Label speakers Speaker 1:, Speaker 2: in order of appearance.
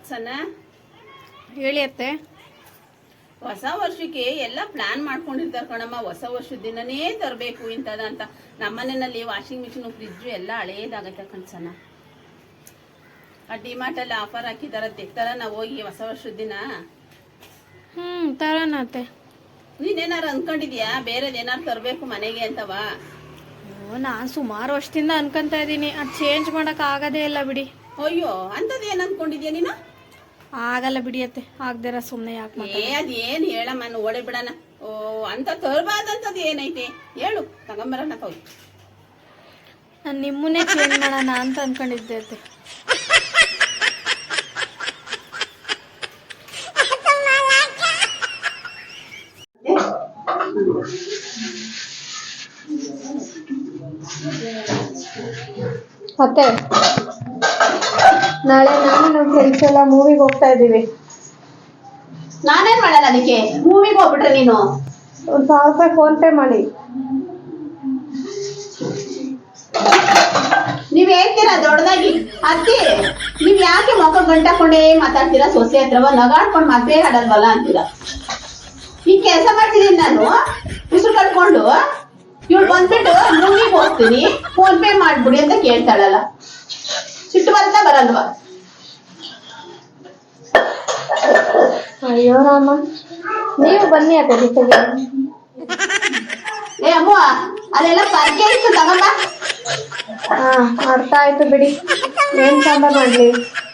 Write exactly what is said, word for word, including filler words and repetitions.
Speaker 1: ಸಣ್ಣ
Speaker 2: ಹೇಳಿ ಅತ್ತೆ.
Speaker 1: ಹೊಸ ವರ್ಷಕ್ಕೆ ಎಲ್ಲ ಪ್ಲಾನ್ ಮಾಡ್ಕೊಂಡಿರ್ತಾರೆ ಕಣಮ್ಮ. ಹೊಸ ವರ್ಷದ ದಿನನೇ ತರಬೇಕು ಇಂಥದ ಅಂತ. ನಮ್ಮನೆಯಲ್ಲಿ ವಾಷಿಂಗ್ ಮಿಷಿನ್ ಫ್ರಿಜ್ಜು ಎಲ್ಲ ಹಳೇದಾಗತ್ತೆ ಕಣ್ಸನ. ಆ ಡಿಮಾರ್ಟಲ್ಲಿ ಆಫರ್ ಹಾಕಿದಾರ ತೆಗ್ತಾರ ನಾವು ಹೋಗಿ ಹೊಸ ವರ್ಷದ ದಿನ.
Speaker 2: ಹ್ಮ್ ತರೋಣ ಅತ್ತೆ.
Speaker 1: ನೀನೇನಾರು ಅನ್ಕೊಂಡಿದ್ಯಾ ಬೇರೆದ್ ಏನಾರು ತರಬೇಕು ಮನೆಗೆ ಅಂತವಾ?
Speaker 2: ನಾನು ಸುಮಾರು ವರ್ಷದಿಂದ ಅನ್ಕೊಂತ ಇದ್ದೀನಿ, ಅದು ಚೇಂಜ್ ಮಾಡಕ್ ಆಗದೇ ಇಲ್ಲ ಬಿಡಿ.
Speaker 1: ಅಯ್ಯೋ ಅಂತದ್ ಏನ್ ಅನ್ಕೊಂಡಿದ್ಯಾ ನೀನು?
Speaker 2: ಆಗಲ್ಲ ಬಿಡಿ ಅತ್ತೆ, ಆಗ್ದಿರ ಸುಮ್ಮನೆ ಯಾಕೆ
Speaker 1: ಏ ಅದೇನ್ ಹೇಳಮ್ಮ, ಓಡೇ ಬಿಡಣ. ಓ ಅಂತ ತರಬಾರ್ದಂತದ್ ಏನೈತೆ ಹೇಳು, ತಗೊಂಬರೋಣ ತಗೋ.
Speaker 2: ನಾನು ನಿಮ್ಮನ್ನೇ ಚೇಂಜ್ ಮಾಡೋಣ ಅಂತ ಅನ್ಕೊಂಡಿದ್ದೆ ಅತ್ತೆ.
Speaker 3: ಮತ್ತೆ ನಾಳೆ ನಾನು ನಮ್ಮ ಫ್ರೆಂಡ್ಸ್ ಎಲ್ಲ ಮೂವಿಗೆ ಹೋಗ್ತಾ ಇದ್ದೀವಿ.
Speaker 1: ನಾನೇನ್ ಮಾಡಲ್ಲ ಅದಕ್ಕೆ, ಮೂವಿಗೆ ಹೋಗ್ಬಿಟ್ರೆ ನೀನು
Speaker 3: ಒಂದು ಸಾವಿರ ರೂಪಾಯಿ ಫೋನ್ ಪೇ ಮಾಡಿ.
Speaker 1: ನೀವ್ ಹೇಳ್ತೀರಾ ದೊಡ್ಡದಾಗಿ ಅತ್ತಿ, ನೀವ್ ಯಾಕೆ ಮುಖ ಗಂಟಾಕೊಂಡೇ ಮಾತಾಡ್ತೀರಾ? ಸೊಸೆ ಹತ್ರವ ನಗಾಡ್ಕೊಂಡು ಮತ್ತೆ ಆಡಲ್ವಲ್ಲ ಅಂತೀರಾ. ಈ ಕೆಲಸ ಮಾಡ್ತಿದ್ದೀನಿ ನಾನು ಉಸಿರು ಕಟ್ಕೊಂಡು. ಇವ್ಳು ಬಂದ್ಬಿಟ್ಟು ಮೂವಿಗೆ ಹೋಗ್ತೀನಿ ಫೋನ್ ಪೇ ಮಾಡ್ಬಿಡಿ ಅಂತ ಕೇಳ್ತಾಳಲ್ಲ, ಸಿಟ್ಟು ಬರ್ತಾ ಬರಲ್ವಾ?
Speaker 3: ಅಯ್ಯೋ ರಾಮ, ನೀವು ಬನ್ನಿ ಅತ್ತೆ ಜೊತೆಗೆ.
Speaker 1: ಏ ಅಮ್ಮ, ಅಲ್ಲೆಲ್ಲ ಪರ್ಕೆ ಇತ್ತು ತಗೊಂಬ.
Speaker 3: ಹಾ ಅರ್ಥ ಆಯ್ತು ಬಿಡಿ. ಏನ್ ಸಾಂಬಾರ್ ಮಾಡ್ಲಿ?